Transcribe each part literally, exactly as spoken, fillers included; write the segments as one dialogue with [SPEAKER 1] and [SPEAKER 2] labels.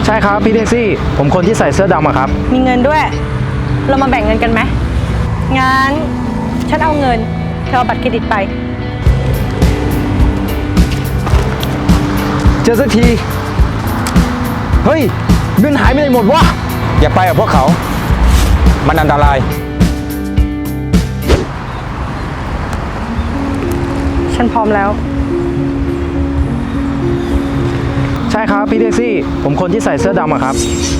[SPEAKER 1] ใช่ครับพี่แท็กซี่ผมคนที่ใส่เสื้อดำอะครับ
[SPEAKER 2] มีเงินด้วยเรามาแบ่งเงินกันไหมงั้นฉันเอาเงินเธอเอาบัตรเครดิตไป
[SPEAKER 1] เจอสักทีเฮ้ยเงินหายไปไหนหมดวะ
[SPEAKER 3] อย่าไปกับพวกเขามันอันตราย
[SPEAKER 2] ฉันพร้อมแล้ว
[SPEAKER 1] ใช่ครับพี่แท็กซี่ผมคนที่ใส่เสื้อดำอะครับ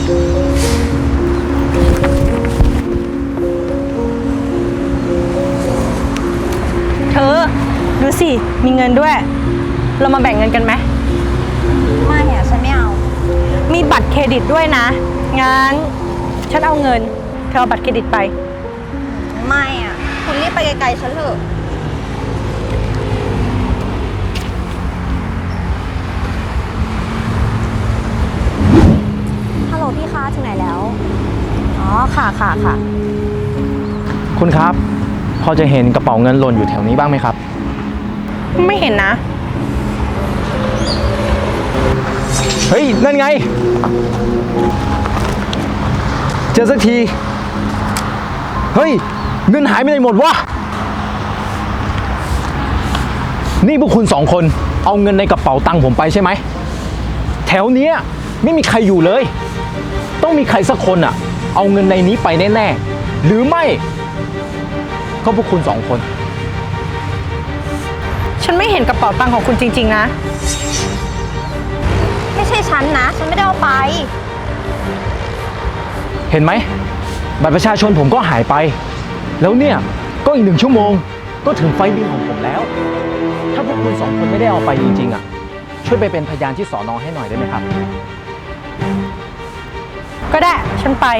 [SPEAKER 2] เธอดูสิมีเงินด้วยเรามาแบ่งเงินกันไหม
[SPEAKER 4] ไม่อะฉันไม่เอา
[SPEAKER 2] มีบัตรเครดิตด้วยนะงั้นฉันเอาเงินเธอเอาบัตรเครดิตไป
[SPEAKER 4] ไม่อะคุณรีบไปไกลๆฉันเถอะฮัลโหลพี่คะถึงไหนแล้วอ๋อค่ะค่ะค่ะ
[SPEAKER 1] คุณครับพอจะเห็นกระเป๋าเงินหล่นอยู่แถวนี้บ้างไหมครับ
[SPEAKER 2] ไม่เห็นนะ
[SPEAKER 1] เฮ้ยนั่นไงเจอสักทีเฮ้ยเงินหายไปไหนหมดวะนี่พวกคุณสองคนเอาเงินในกระเป๋าตังค์ผมไปใช่ไหมแถวเนี้ยไม่มีใครอยู่เลยต้องมีใครสักคนอ่ะเอาเงินในนี้ไปแน่ๆหรือไม่ก็พวกคุณสองคน
[SPEAKER 2] ฉันไม่เห็นกระเป๋าตังค์ของคุณจริงๆนะ
[SPEAKER 4] ไม่ใช่ฉันนะฉันไม่ได้เอาไป
[SPEAKER 1] เห็นไหมบัตรประชาชนผมก็หายไปแล้วเนี่ยก็อีกหนึ่งชั่วโมงก็ถึงไฟล์บินของผมแล้วถ้าพวกคุณสองคนไม่ได้เอาไปจริงๆอ่ะช่วยไปเป็นพยานที่สอนอให้หน่อยได้ไหมครับ
[SPEAKER 2] ก็ได้ฉันไป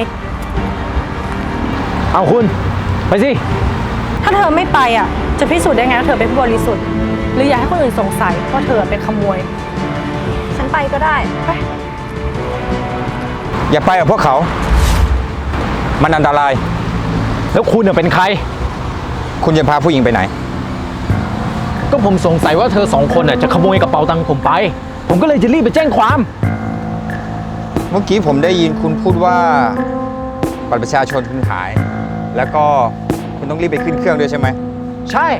[SPEAKER 1] เอาคุณไปสิ
[SPEAKER 2] ถ้าเธอไม่ไปอ่ะจะพิสูจน์ได้ไงว่าเธอเป็นผู้บริสุทธิ์หรืออยากให้คนอื่นสงสัยว่าเธอเป็นขโมย
[SPEAKER 4] ฉันไปก็ได้ไป
[SPEAKER 3] อย่าไปกับพวกเขามันอันตราย
[SPEAKER 1] แล้วคุณเป็นใคร
[SPEAKER 3] คุณจะพาผู้หญิงไปไหน
[SPEAKER 1] ก็ผมสงสัยว่าเธอสองคนจะขโมยกระเป๋าตังค์ผมไปผมก็เลยจะรีบไปแจ้งความ
[SPEAKER 3] เมื่อกี้ผมได้ยินคุณพูดว่าบัตรประชาชนคุณหายแล้วก็คุณต้องรีบไปขึ้นเครื่องด้วยใช่ไหม
[SPEAKER 1] ใช่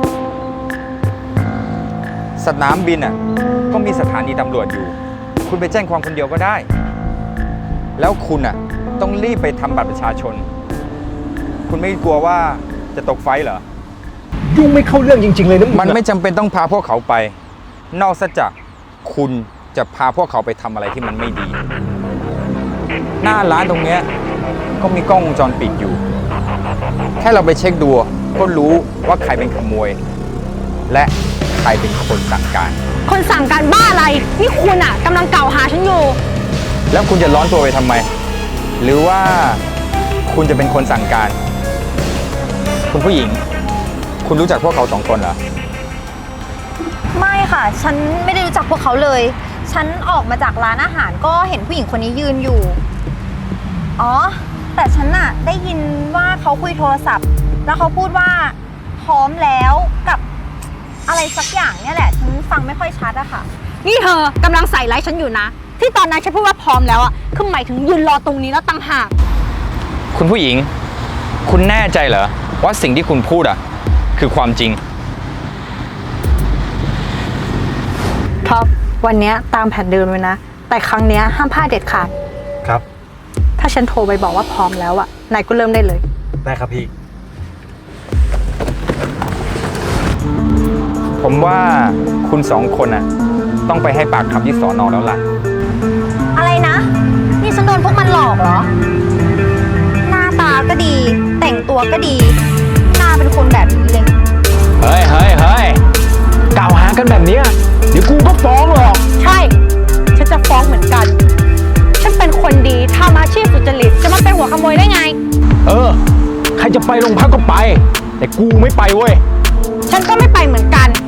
[SPEAKER 3] สนามบินอ่ะก็มีสถานีตำรวจอยู่คุณไปแจ้งความคนเดียวก็ได้แล้วคุณอ่ะต้องรีบไปทำบัตรประชาชนคุณไม่กลัวว่าจะตกไฟเหรอ
[SPEAKER 1] ยุ่งไม่เข้าเรื่องจริงๆเลยนะ
[SPEAKER 3] มันไม่จำเป็นต้องพาพวกเขาไปนอกจากคุณจะพาพวกเขาไปทำอะไรที่มันไม่ดีหน้าร้านตรงเนี้ยก็มีกล้องวงจรปิดอยู่แค่เราไปเช็คดูก็รู้ว่าใครเป็นขโมยและใครเป็นคนสั่งการ
[SPEAKER 2] คนสั่งการบ้าอะไรนี่คุณอ่ะกำลังกล่าวหาฉันอยู่
[SPEAKER 3] แล้วคุณจะร้อนตัวไปทำไมหรือว่าคุณจะเป็นคนสั่งการคุณผู้หญิงคุณรู้จักพวกเขาสองคนเหรอ
[SPEAKER 4] ไม่ค่ะฉันไม่ได้รู้จักพวกเขาเลยฉันออกมาจากร้านอาหารก็เห็นผู้หญิงคนนี้ยืนอยู่อ๋อแต่ฉันน่ะได้ยินว่าเขาคุยโทรศัพท์แล้วเขาพูดว่าพร้อมแล้วกับอะไรสักอย่างเนี่ยแหละฉันฟังไม่ค่อยชัดอะค่ะ
[SPEAKER 2] นี่เธอกำลังใส่ไลฟ์ฉันอยู่นะที่ตอนนั้นฉันพูดว่าพร้อมแล้วอะคือหมายถึงยืนรอตรงนี้แล้วตั้งหาก
[SPEAKER 3] คุณผู้หญิงคุณแน่ใจเหรอว่าสิ่งที่คุณพูดอะคือความจริง
[SPEAKER 2] ท็อปวันนี้ตามแผนเดิมเลยนะแต่ครั้งนี้ห้ามพลาดเด็ดขาด
[SPEAKER 1] ครับ
[SPEAKER 2] ถ้าฉันโทรไปบอกว่าพร้อมแล้วอะนายก็เริ่มได้เลย
[SPEAKER 1] ได้ครับพี่
[SPEAKER 3] ผมว่าคุณสองคนน่ะต้องไปให้ปากคำที่สอนอแล้วล่ะ
[SPEAKER 4] อะไรนะนี่ฉันโดนพวกมันหลอกเหรอหน้าตาก็ดีแต่งตัวก็ดีหน้าเป็นคนแบบนี้เลย
[SPEAKER 1] เฮ้ยเฮ้ยเฮ้ยกล่าวหากันแบบนี้เดี๋ยวกูก็ฟ้องหรอก
[SPEAKER 2] ใช่ฉันจะฟ้องเหมือนกันฉันเป็นคนดีทำอาชีพสุจริตจะมาเป็นหัวขโมยได้ไง
[SPEAKER 1] เออใครจะไปโรงพักก็ไปแต่กูไม่ไปเว้ย
[SPEAKER 2] ฉันก็ไม่ไปเหมือนกัน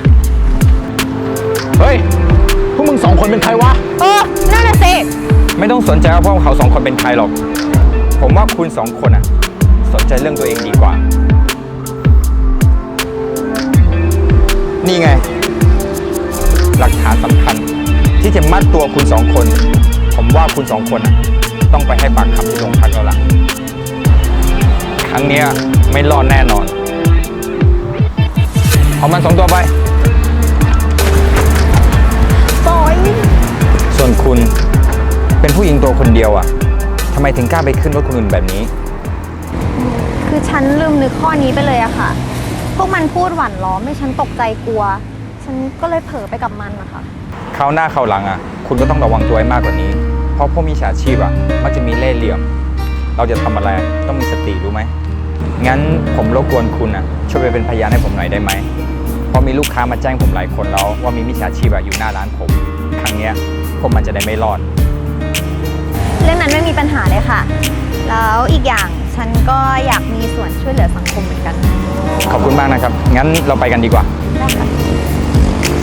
[SPEAKER 1] เฮ้ยพวกมึงสองคนเป็นใครวะ
[SPEAKER 2] เออนั่นน่ะสิ
[SPEAKER 3] ไม่ต้องสนใจว่าพวกเขาสองคนเป็นใครหรอกผมว่าคุณสองคนอ่ะสนใจเรื่องตัวเองดีกว่านี่ไงหลักฐานสำคัญที่จะมัดตัวคุณสองคนผมว่าคุณสองคนน่ะต้องไปให้ปากคำที่โรงพักแล้วล่ะ ครั้งเนี้ยไม่รอดแน่นอน เอามันสองตัวไป
[SPEAKER 4] ปล่อย
[SPEAKER 3] ส่วนคุณเป็นผู้หญิงตัวคนเดียวอ่ะทำไมถึงกล้าไปขึ้นรถคนอื่นแบบนี้
[SPEAKER 4] คือฉันลืมนึกข้อนี้ไปเลยอะค่ะ พวกมันพูดหวั่นล้อมให้ฉันตกใจกลัว ฉันก็เลยเผลอไปกับมันนะคะ
[SPEAKER 3] คราวหน้าคราวหลังอ่ะ คุณก็ต้องระวังตัวให้มากกว่านี้ เพราะพวกมิจฉาชีพอ่ะมักจะมีเล่ห์เหลี่ยม เราจะทำอะไรต้องมีสติรู้ไหม งั้นผมรบกวนคุณอ่ะช่วยไปเป็นพยานให้ผมหน่อยได้ไหม เพราะมีลูกค้ามาแจ้งผมหลายคนแล้วว่ามีมิจฉาชีพอะอยู่หน้าร้านผม ครั้งเนี้ยพวกมันจะได้ไม่รอด
[SPEAKER 4] เรื่องนั้นไม่มีปัญหาเลยค่ะ แล้วอีกอย่างฉันก็อยากมีส่วนช่วยเหลือสังคมเหมือนกัน
[SPEAKER 3] ขอบคุณมากนะครับ งั้นเราไปกันดีกว่า
[SPEAKER 4] ได้ค่ะ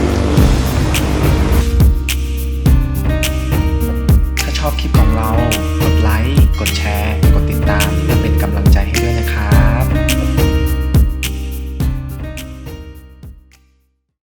[SPEAKER 5] ถ้าชอบคลิปของเรา